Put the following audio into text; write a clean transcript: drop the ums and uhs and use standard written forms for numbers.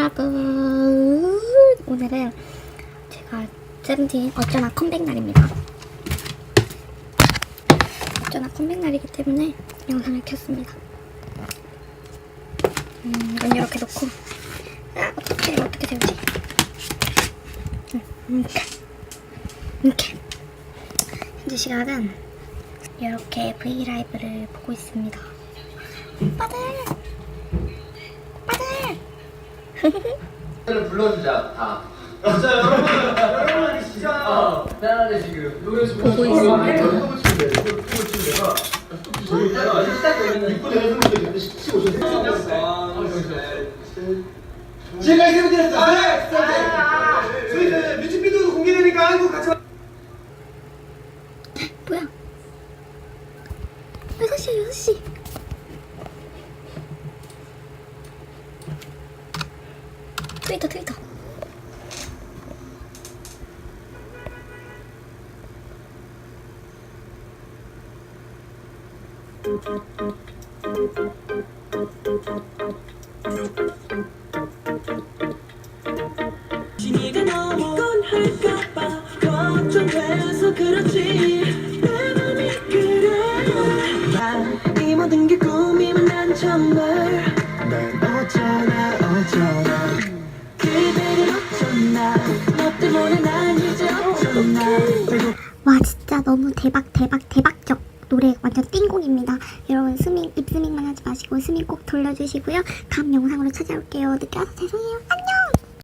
여러분, 오늘은 제가 세븐틴 어쩌나 컴백 날입니다. 어쩌나 컴백 날이기 때문에 영상을 켰습니다. 이건 이렇게 놓고, 어떻게 세우지? 이렇게. 현재 시각은 이렇게 브이라이브를 보고 있습니다. 오빠들! 불러주자 다. 진짜 여러분이 진짜 편하게 지금 보고 있습니다. 제가 세븐틴했어요. 저희 뮤직비디오도 공개되니까 한국 같이. 뭐야? 6시야, 6시. 트위터. 진이가 너무 곤할까봐 걱정돼서 그렇지 내 맘이 그래 이 모든 게 꿈이면 난 정말 난 어쩌나 그대를 어쩌나 너 때문에 난 이제 어쩌나 와, 진짜 너무 대박적 노래 완전 띵곡입니다. 여러분 스밍, 입스밍만 하지 마시고 스밍 꼭 돌려주시고요. 다음 영상으로 찾아올게요. 늦게 와서 죄송해요.